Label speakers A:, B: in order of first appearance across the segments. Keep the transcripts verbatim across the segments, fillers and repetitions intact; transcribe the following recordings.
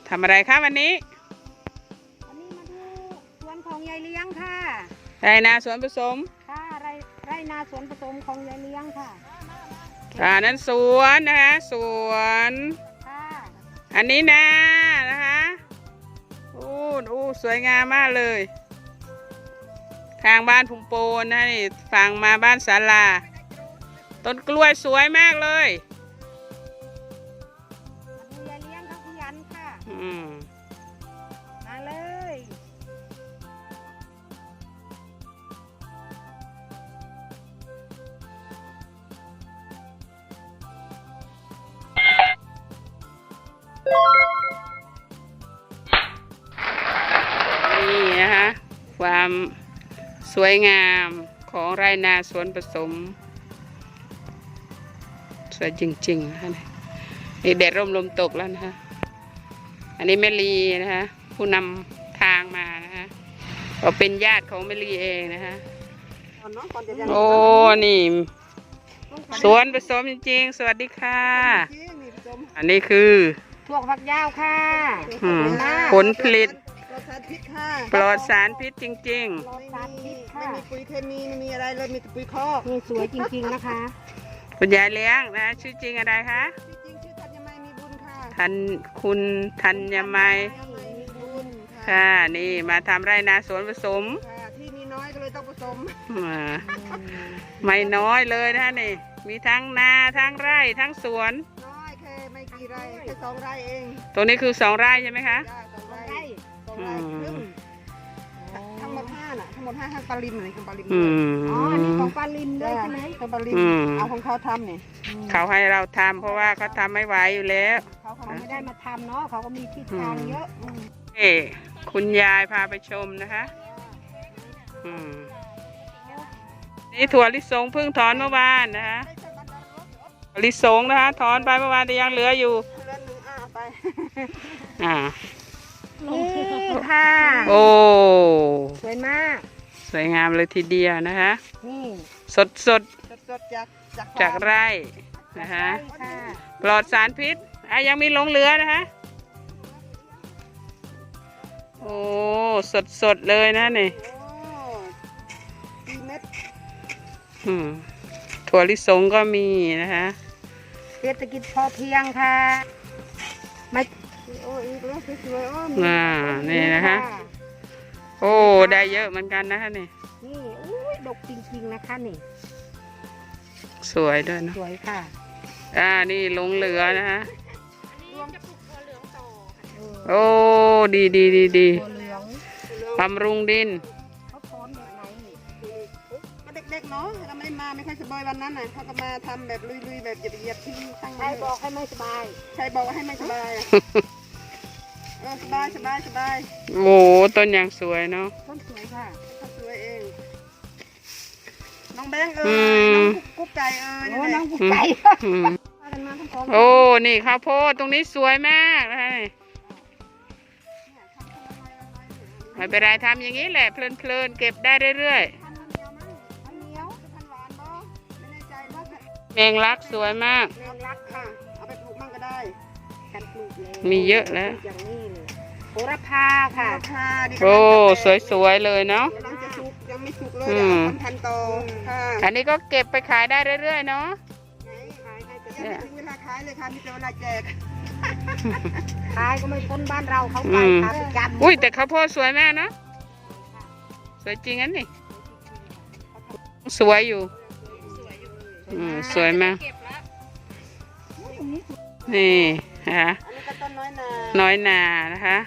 A: ทำอะไรคะวันนี้
B: วันนี้มาดูสวนของยายเลี้ยงค่ะ
A: ไรนาสวนผสม
B: ค่ะไรไรนาสวนผสมของยายเลี้ยงค่ะ
A: อ่านั้นสวนนะคะสวน
B: ค่ะ
A: อันนี้นานะคะอู้อู้สวยงามมากเลยทางบ้านพุงโปนนะนี่ฝั่งมาบ้านศาลาต้นกล้วยสวยมากเลย
B: มาดูยายเลี้ยงเขาขยันค่ะ
A: อืม
B: มาเลย
A: นี่นะคะความสวยงามของไรนาสวนผสมสวยจริงๆนะคะนี่แดดร่มลมตกแล้วนะคะอันนี้แม่ลีนะคะผู้นำทางมานะคะก็เป็นญาติของแม่ลีเองนะคะโอ้นี่สวนผสมจริงๆสวัสดีค่ะอันนี้คือ
B: ถั่วฝักยาวค่ะ
A: ผลผลิตปลอดสารพิษจริง
B: ๆปลอดสารพิษค่ะ
C: ไม่มีปุ๋ยเคมีไม่มีอะไรเลยมีแต่ปุ๋ยคอก
B: นี่สวยจริงๆนะคะ
A: คุณยายเลี้ยงนะชื่อจริงอะไรคะ
C: จริงชื่อธัญไมมีบุญค่ะ
A: ทันคุณธัญไมค่ะนี่มาทำไรนาสวนผสม
C: ที่มีน้อยก็เลยต้องผสม
A: ไม่น้อยเลยนะนี่มีทั้งนาทั้งไร่ทั้งสวน
C: น้อยแค่ไม่กี่ไร่แค่สองไร่เอง
A: ตัวนี้คือสองไร่ใช่ไหมคะ
C: สองไร่สองไร่ครึ่งทั้งหมดห้าน่ะทั้งหมดห้าทั้งปลาลิมอะไรของปลาลิม
B: อ๋อนี่ของปลาลิมด้วยใช่ไหม
C: ของปลาลิมเอาของเขาทำเนี่ย
A: เขาให้เราทำเพราะว่าเขาทำไม่ไหวอยู่แล้ว
B: เขาไม่ได้มาทำเนาะเขาก็มีที่ทางเยอะ
A: นี่คุณยายพาไปชมนะคะนี่ถั่วลิสงเพิ่งถอนเมื่อวานนะคะลิสงนะคะถอนไปเมื่อวานแต่ยังเหลืออยู่อ่า
B: นี่ค่ะ
A: โอ้
B: สวยมาก
A: สวยงามเลยทีเดียวนะคะ
B: นี่
A: สดสด
C: สดจาก
A: จากไร่นะคะปลอดสารพิษอ่ะยังมีหลงเหลือนะคะโอ้สดสดเลยนะนี่ถั่วลิสงก็มีนะคะ
B: เศรษฐกิจพอเพียงค่ะไม่
C: โอ้อีกแล้วสวยๆโอ้
A: น่านี่นะคะโอ้ได้เยอะเหมือนกันนะคะนี่
B: นี่อุ้ยดกจริงๆนะคะนี่
A: สวยด้วยนะ
B: สวยค่ะ
A: อ่านี่หลงเหลือนะคะโอ้ดีดีดีดีบำรุงดิน
C: เด็กๆเนาะเราไม่มาไม่ค่อยสบายวันนั้นน่ะเขาก็มาทำแบบลุยๆแบบเหยียบๆที่ตั้ง
B: ใครบอกให้ไม่สบาย
C: ใครบอกว่าให้ไม่สบายเออสบายสบายสบาย
A: โอ้ต้นอย่างสวยเนาะ
B: ต้นสวยค่ะ
C: ต้นสวยเองน้องแบงค์เออน้องกุ๊กไก่เออ
B: โอ้น้องกุ๊กไก่
A: โอ้นี่ข้าวโพดตรงนี้สวยมากเลยไม่เป็นไรทำอย่างนี้แหละเพลินๆเก็บได้เรื่อยๆแมงลักสวยมาก
C: แมงลักค่ะเอาไปปลูกมั่งก็ได้
B: กันปลูกเลย
A: มีเยอะแล้ว
B: อย่างนี้เลยโหระพาค่ะ
A: โอ้สวยๆเลยเนาะ
C: ยังจะสุกยังไม่สุกเลยเอาพันโตค่ะ
A: อันนี้ก็เก็บไปขายได้เรื่อยๆเนาะ
C: ขายได้แต่ยังไม่ถึงเวลาขายเลยค่ะมีแต่เวลาแจก
B: ขายก็ไม่พ้นบ้านเราเขาไปขายประจำ
A: อุ้ยแต่ข้าวโพดสวยแม่นะสวยจริงอันนี้สวยอยู่อืมสวยมากนี่นะคะน้อยนานะคะ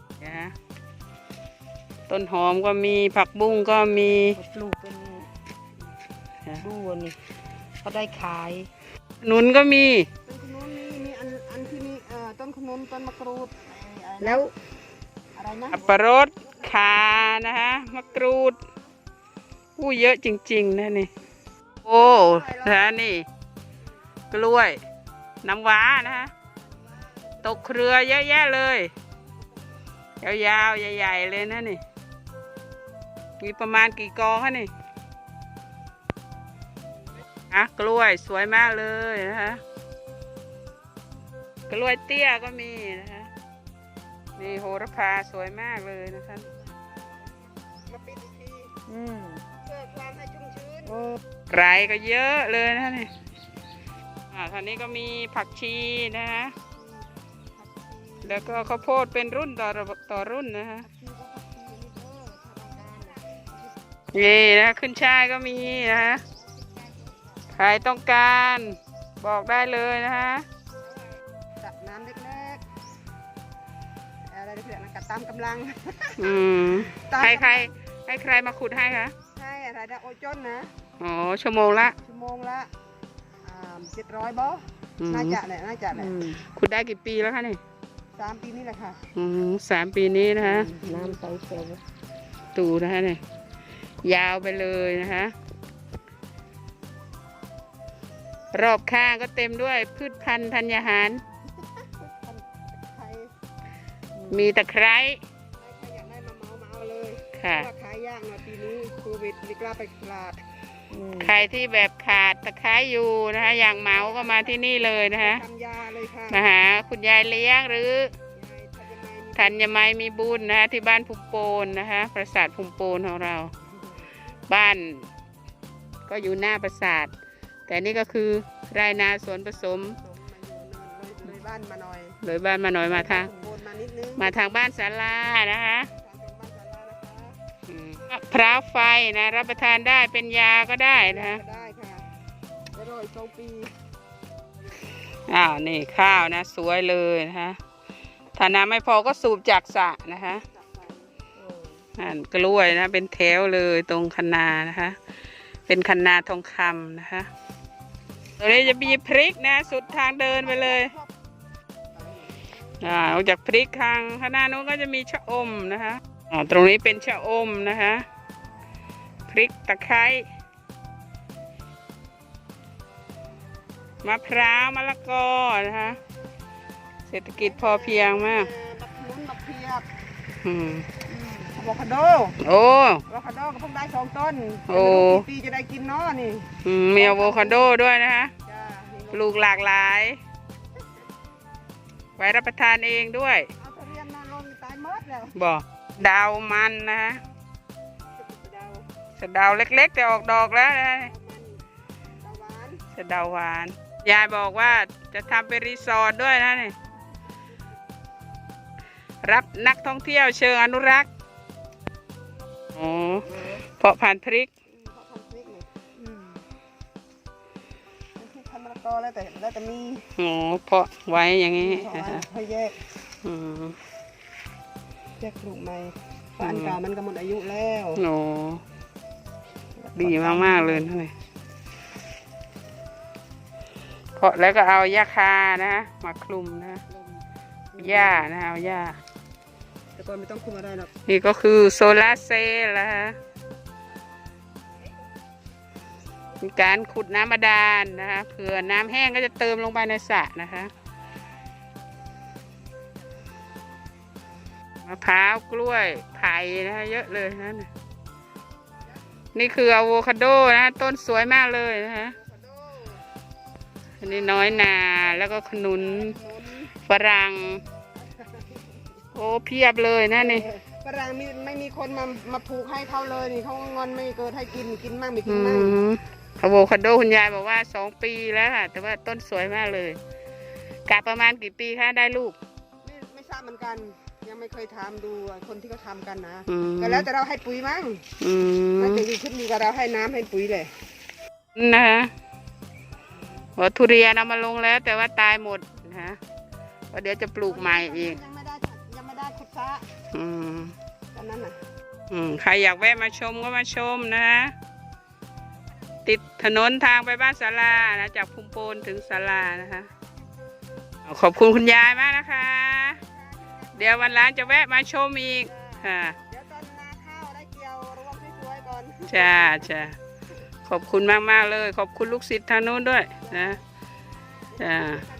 A: ต้นหอมก็มีผักบุ้งก็มี
B: ปลูกเป็นดูนี่เขาได้ขาย
A: หนุนก็มี
C: ต้นขนุนมีมีอันอันที่มีเอ่อต้นขนุนต้นมะกรูด
B: แล้วอะไรนะ
A: อัปรสขานะคะมะกรูดอู้เยอะจริงๆนะนี่โอ้นะนี่กล้วยน้ำว้านะคะตกเครือเยอะแยะเลยยาวๆใหญ่ๆเลยนะนี่มีประมาณกี่กองคะนี่อ่ะกล้วยสวยมากเลยนะคะกล้วยเตี้ยก็มีนะคะนี่โหระพาสวยมากเลยนะคะ
C: มาปิดอีกที
B: อืม
C: เพื่อความให้ชุ่มชื้น
B: โอ้
A: ไกรก็เยอะเลยนะนี่อ่าทางนี้ก็มีผักชีนะฮะแล้วก็ข้าวโพดเป็นรุ่นต่อต่อรุ่นนะฮะ นี่นะขึ้นช่ายก็มีนะฮะใครต้องการบอกได้เลยนะฮะ
C: ตักน้ำเล็กๆอะไรเล็กๆนะกัดตามกำลัง
A: อืมใครใครให้ใครมาขุดให้คะ
C: ใช่อะไรได้โอจนนะ
A: อ๋อชั่วโมงละ
C: ชั่วโมงละเจ็ดร้อยบอ
A: อืม
C: น่าจะแหละน่าจะแหละ
B: อืม
A: ขุดได้กี่ปีแล้วคะนี่
C: สามปีนี่แหละค่ะ
A: อืมสามปีนี้นะฮะ
B: น้ำใสเขียว
A: ตูนะฮะนี่ยาวไปเลยนะคะ รอบข้างก็เต็มด้วยพืชพันธุ์ธัญญาหาร
C: ใคร
A: มีตะไคร้
C: ใครอยากได้มาเมาเมาเลย
A: ค่ะ
C: ว่าขายยากหน่อยปีนี้โควิดไม่กล้าไปตลาด
B: อืม
A: ใครที่แบบขาดตะไคร้อยู่นะคะ อย่างเหมาก็มาที่นี่เลยนะคะ
C: ทำยาเลยค่ะ
A: มาหาคุณยายเลี้ยงหรือย
C: ายทันยังไงมี
A: ธัญไมมีบุญนะคะที่บ้านภูมิโปนนะคะปราสาทภูมิโปนของเรา บ้านก็อยู่หน้าปราสาท แต่นี่ก็คือไรนาสวนผสม
C: สมมาอยู่เลยเลยบ้านมาหน่อย
A: เลยบ้านมาหน่อยมาทาง
C: โบนมานิดนึง
A: มาทางบ้านศาลานะคะ
C: ทางเป็นบ้านศาลานะคะ
A: อืมมะพร้าวไฟนะรับประทานได้เป็นยาก็ได้นะคะ
C: ก็ได้ค่ะอร่อยสองปี
A: อ้าวนี่ข้าวนะสวยเลยนะคะถ้าน้ำไม่พอก็สูบจากสระนะคะ
C: จับใส่
A: อ่านกล้วยนะเป็นแถวเลยตรงคันนานะคะ เป็นคันนาทองคำนะคะตรงนี้จะมีพริกนะสุดทางเดินไปเลยอ่าออกจากพริกทางข้างหน้านู้นก็จะมีชะอมนะคะอ่าตรงนี้เป็นชะอมนะคะพริกตะไคร้มะพร้าวมะละกอนะคะเศรษฐกิจพอเพียงมาก
C: บักนุนบักเพียบ
A: อืม
C: อะโวคาโด
A: โอ้
C: อะโวคาโดก็เพิ่งได้สองต้น
A: โอ้
C: ไม่รู้กี่ปีจะได้กินเนาะนี่
A: อืมมีอะโวคาโดด้วยนะคะ
C: จ้านี่
A: ปลูกหลากหลาย ไว้รับประทานเองด้วย
C: เอาทุเรียนมาลงตายหมดแล้ว
A: บอกดาวมันนะคะ
C: ดาว
A: สะเดาวเล็กๆแต่ออกดอกแล้วนะ
C: ดาวมันดาวหวาน
A: สะเดาวหวาน ยายบอกว่าจะทำเป็นรีสอร์ทด้วยนะนี่รับนักท่องเที่ยวเชิงอนุรักษ์โอ้เพาะพันธุ์พริก
C: อืมเขาทำพริกนี่อืมเป็นพริกพันธุ์มะละกอแล้วแต่แล้วแต่มี
A: โอ้เพาะไว้อย่างนี้
C: เขา
A: นะ
C: ไว้
A: คะ
C: ให้แยก
A: อืม
C: แยกปลูกใหม่เพราะอันเก่ามันก็หมดอายุแล้ว
A: โอ้ดีมากๆเลยนะนี่เพาะแล้วก็เอาหญ้าคานะมาคลุมนะ
C: ลม
A: หญ้านะเอาหญ้า
C: แต่ก่อนไม่ต้องคุมอะไรหรอก
A: นี่ก็คือโซลาร์เซลล์นะคะมีการขุดน้ำบาดาลนะคะเผื่อน้ำแห้งก็จะเติมลงไปในสระนะคะมะพร้าวกล้วยไผ่นะคะเยอะเลยนะนี่คืออะโวคาโดนะต้นสวยมากเลยนะคะอันนี้น้อยนาแล้วก็ขนุน
C: หนุน
A: ฝรั่งโอ้เพียบเลยนะนี่
C: เออฝรั่งมีไม่มีคนมามาผูกให้เขาเลยนี่เขาก็งอนไม่เกิดให้กินกินมั่งไม่กิ
A: อื
C: นมั่ง
A: มอะโวคาโดคุณยายบอกว่าสองปีแล้วค่ะ แต่ว่าต้นสวยมากเลยกะประมาณกี่ปีคะได้ลูก
C: ไม่ไม่ทราบเหมือนกัน ยังไม่เคยทำดูคนที่เขาทำกันนะ
A: อืม
C: ก็แล้วแต่เราให้ปุ๋ยมั้ง
A: อืม
C: น่าจะอยู่ขึ้นอยู่กับเราให้น้ำให้ปุ๋ยเลย
A: นะคะว่าทุเรียนเอามาลงแล้ว แต่ว่าตายหมดนะคะว่าเดี๋ยวจะปลูกใหม่อีก
C: ยังไม่ได้ยังไม่ได้ขุดซะ
A: อืม
C: ตอนนั้นน่ะ
A: อืมใครอยากแวะมาชมก็มาชมนะคะติดถนนทางไปบ้านศาลานะจากภูมิโปนถึงศาลานะคะขอบคุณคุณยายมากนะคะ เดี๋ยววันหล้านจะแวะมาชมอีกค่ะ
C: เดี๋ยวตอนนาข้าวได้เกี่ยวรวมสวยๆก่อน
A: จ้าจ้าขอบคุณมากมากๆเลย ขอบคุณลูกศิษย์ทางโน้นด้วยนะจ้า
C: ค่ะ